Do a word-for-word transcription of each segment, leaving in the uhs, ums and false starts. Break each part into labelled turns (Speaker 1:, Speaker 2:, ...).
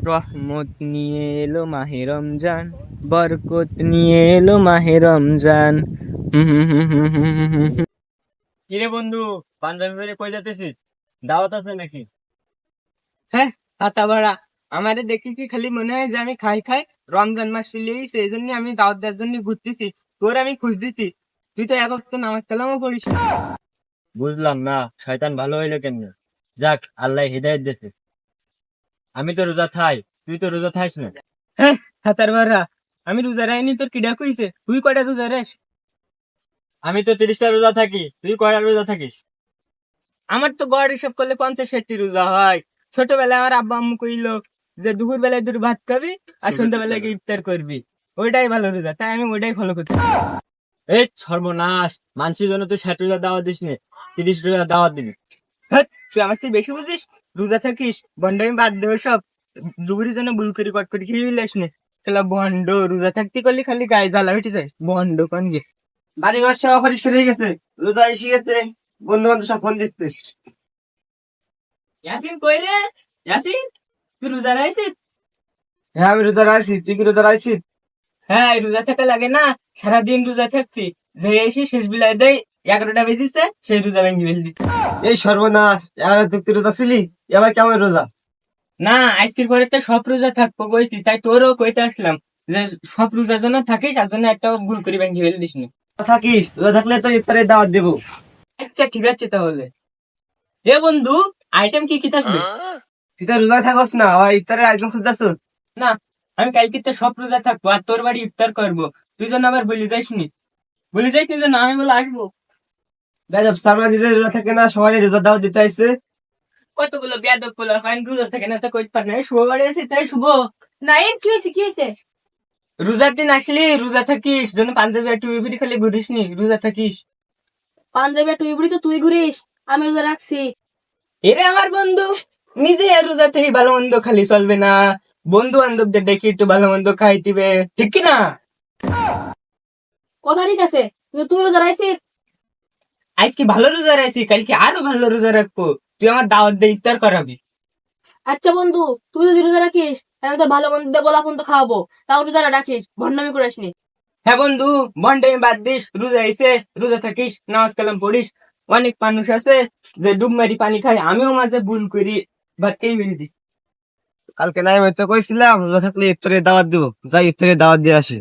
Speaker 1: রহমত নিয়ে এলো মাহে রমজান, বরকত নিয়ে এলো মাহে রমজান। হুম হুম হুম হুম হুম হুম হুম হুম। কিরে বন্ধু, পাঞ্জাবি বেড়ে কই যাতেছিস? দাওয়াত আছে নাকি?
Speaker 2: হ্যাঁ, হাতা বাড়া। আমারে দেখি কি খালি মনে হয় যে আমি খাই খাই। রমজান মাস চলেই সেই জন্য আমি দাওয়াত দেওয়ার জন্য ঘুরতেছি। তোর আমি খুঁজ দিতি, তুই তো এক ওয়াক্ত নামাজ কালামও পড়িস না।
Speaker 1: বুঝলাম না, শয়তান ভালো হইলো কেন? যাক, আল্লাহ হিদায়ত দিয়েছে। আমি তো রোজা থাই, তুই তো রোজা থাইস না।
Speaker 2: হ্যাঁ, হাতার বাড়া, আমি রোজা রাইনি তোর কিডা কইছে? তুই কয়টা রোজা রাস?
Speaker 1: আমি তো তিরিশটা রোজা থাকি, তুই কয়টা রোজা থাকিস?
Speaker 2: আমার তো গড় হিসাব করলে পঞ্চাশ ষাটটি রোজা হয়। ছোটবেলায় আমার আব্বা আম্মু কইলো যে দুপুর বেলায় দুটো ভাত খাবি আর সন্ধ্যাবেলায় গিয়ে ইফতার করবি, ওইটাই ভালো রোজা, তাই আমি ওইটাই ফলো করছি।
Speaker 1: এই সর্বনাশ, মানুষের জন্য তুই ষাট রোজা দাওয়াত দিস নে, তিরিশ রোজা দাওয়াত দিবি।
Speaker 2: হ্যাঁ, তুই আমার থেকে বেশি বুঝিস। রোজা থাকিস, বন্ডামি বাদ দেবে সব। দুপুরের জন্য বুল করি কট করে খেয়ে লাস নে। খেলা বন্ড, রোজা থাকতে করলে খালি গায়ে জ্বালা উঠে যায়। বন্ড কন গে।
Speaker 3: বাড়ি ঘর সব পরিষ্কার হয়ে গেছে, রোদা এসে গেছে, বন্ধু বান্ধব সব ফোন দিচ্ছে।
Speaker 2: ইয়াসিন কই রে? ইয়াসিন, তুই রোজা রাখছিস?
Speaker 3: হ্যাঁ আমি রোদা আছি, তুই কি রোদা আছিস?
Speaker 2: হ্যাঁ, এই রোজা থাকা লাগে না। সারাদিন রোজা থাকছি, যে এসে শেষ বেলায় দেয় এগারোটা বেজেছে, সেই রোজা ভেঙে ফেলবি।
Speaker 3: এই সর্বনাশ, আর তুই কি রোদা ছিলি? এবার কেমন রোদা?
Speaker 2: না, আজকের পরে তো সব রোজা থাকবো কইছি, তাই তোরও কইতে আসলাম যে সব রোজার জন্য থাকিস, আর জন্য একটা ভুল করে ভেঙে ফেলিস না।
Speaker 3: থাকিস, রোদা থাকলে তো ইফতারের দাওয়াত দেবো।
Speaker 2: আচ্ছা ঠিক আছে তাহলে। এ বন্ধু, আইটেম কি কি থাকবে?
Speaker 3: তুই তো রোদা থাকস না, আবার ইফতারের আয়োজন খুঁজতেছ?
Speaker 2: না, আমি কালকে তো সব রোজা থাকবো আর তোর বাড়ি ইফতার করবো। তুই যেন আবার বলে যাইস নি, বলে যাইস নি যেন আমি বলে আসবো।
Speaker 3: বেজব সামনে দিতে রোদা থাকে না, সবাই রোদা দাওয়াত দিতে আসছে।
Speaker 2: কতগুলো বেয়াদব পোলা ফাইন রোজা থাকে না, তা কইতে পার না। এই শুভ বাড়ি আছে তাই শুভ।
Speaker 4: নাইম, কি হয়েছে কি হয়েছে?
Speaker 2: রোজার দিন আসলি রোজা থাকিস, জন্য পাঞ্জাবি আর টুই বুড়ি খালি ঘুরিস নি, রোজা থাকিস।
Speaker 4: পাঞ্জাবি আর তুই বুড়ি তো তুই ঘুরিস, আমি রোজা রাখছি।
Speaker 2: এরে আমার বন্ধু, নিজে আর রোজা থেকে ভালো মন্দ খালি চলবে না, বন্ধু বান্ধবদের দেখি একটু ভালো মন্দ খাই দিবে, ঠিক কি না?
Speaker 4: কথা ঠিক আছে, কিন্তু তুই রোজা রাখছিস।
Speaker 2: আজকে ভালো রোজা রাখছি, কালকে আরো ভালো রোজা রাখবো। তুই আমার দাওয়াত দিয়ে ইফতার করাবি।
Speaker 4: আচ্ছা বন্ধু, তুই যদি রোজা রাখিস আমি তো ভালো মন্দ দিয়ে গোলা ফোন তো খাওয়াবো, তাও রোজাটা রাখিস, ভণ্ডামি করে আসনি।
Speaker 2: হ্যাঁ বন্ধু, বন্ডে বাদ দিস, রোজা এসে রোজা থাকিস, নামাজ কালাম পড়িস। অনেক মানুষ আছে যে ডুব মারি পানি খায়, আমিও মাঝে ভুল করি, বাট এই মেরে দিই।
Speaker 3: কালকে নাই আমি তো কইছিলাম রোদা থাকলে ইফতারের দাওয়াত দিব, যাই ইফতারের দাওয়াত দিয়ে আসে।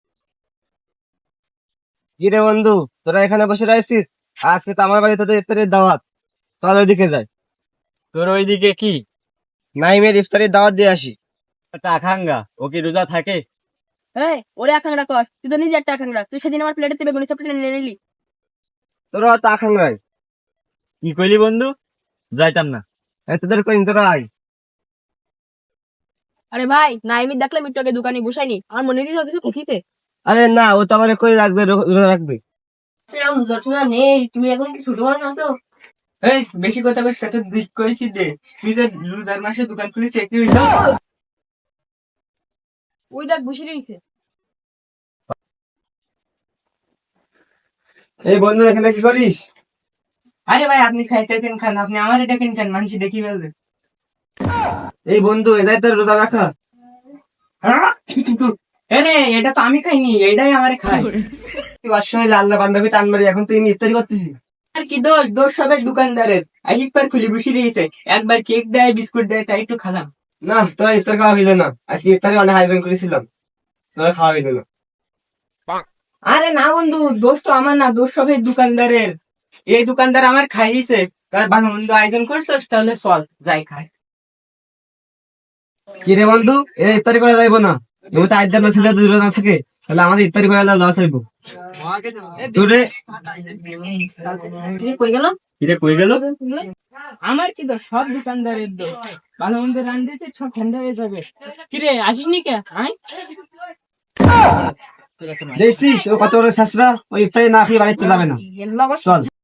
Speaker 3: কি রে বন্ধু, তোরা এখানে বসে রয়েছিস? আজকে তো আমার বাড়িতে তো ইফতারের দাওয়াত, চল ওইদিকে যাই।
Speaker 1: তোর ওইদিকে কি?
Speaker 3: নাইমের ইফতারের দাওয়াত দিয়ে আসি।
Speaker 1: একটা আকাঙ্গা, ও কি রোজা থাকে?
Speaker 4: এই, ওরে আকাঙ্ক্ষা কর, তুই তো নিজে একটা আকাঙ্ক্ষা। তুই সেদিন আমার প্লেটেতে বেগুনি চাপটা নিয়ে নিলি।
Speaker 3: তোরা তো আকাঙ্গাই।
Speaker 1: কি কইলি বন্ধু? যাইতাম না।
Speaker 3: এই তোদের কই তোরা আয়।
Speaker 4: আরে ভাই, নাইমি দেখলাম একটু আগে দোকানে বসাইনি, আমার মনে কিছু কিছু কথিতে।
Speaker 3: আরে না, ও তো আমার কই রাখবে, রো- রোজা রাখবে।
Speaker 4: রোজা নেই, তুমি এখন কি ছোট মানুষ আছো?
Speaker 2: এই বেশি কথা বলে সেটা দিক কইছি দে। তুই যে রোজার মাসে দোকান খুলেছি একটু হইলো।
Speaker 4: ওই দেখ বসে রয়েছে।
Speaker 3: এই বন্ধু এখানে কি করিস?
Speaker 2: আরে ভাই, আপনি খাইতে দেন খান, আপনি আমার দেখেন খান, মানুষ দেখি ফেলবে।
Speaker 3: এই বন্ধু এটাই তোর রোজা রাখা?
Speaker 2: আরে এটা তো আমি খাইনি, এটাই আমার খাই।
Speaker 3: তুই অসময় আল্লাহ বান্ধবী টান মারি, এখন তুই ইফতারি করতেছিস?
Speaker 2: আর কি দোষ, দোষ সবাই দোকানদারের। আজ একবার খুলে বসে দিয়েছে, একবার কেক দেয় বিস্কুট দেয়, তাই একটু খালাম।
Speaker 3: না, তোরা ইফতার খাওয়া হইলো না, আজকে ইফতারি অনেক আয়োজন করেছিলাম, তোরা খাওয়া হইলো না।
Speaker 2: আরে না বন্ধু, দোষ তো আমার না, দোষ সবাই দোকানদারের। এই দোকানদার আমার খাইয়েছে, তার ভালো মন্দ আয়োজন করছিস, তাহলে চল যাই খাই।
Speaker 3: কি রে বন্ধু, এই ইফতারি করা যাইবো না? এমন তো আইদার ছেলে যদি রোজা থাকে, তাহলে আমাদের ইফতারি করা লস হইব। তোরে
Speaker 4: কই গেল?
Speaker 1: কিরে কই গেল?
Speaker 2: আমার কি দোষ, সব দোকানদারের দোষ। ভালো মন্দ রান দিতে সব ঠান্ডা হয়ে যাবে। কিরে আসিস নি কে? আয়
Speaker 3: দেখছিস ও কত বড় শাসরা, ওই ইফতারি না খেয়ে বাড়িতে যাবে না। চল।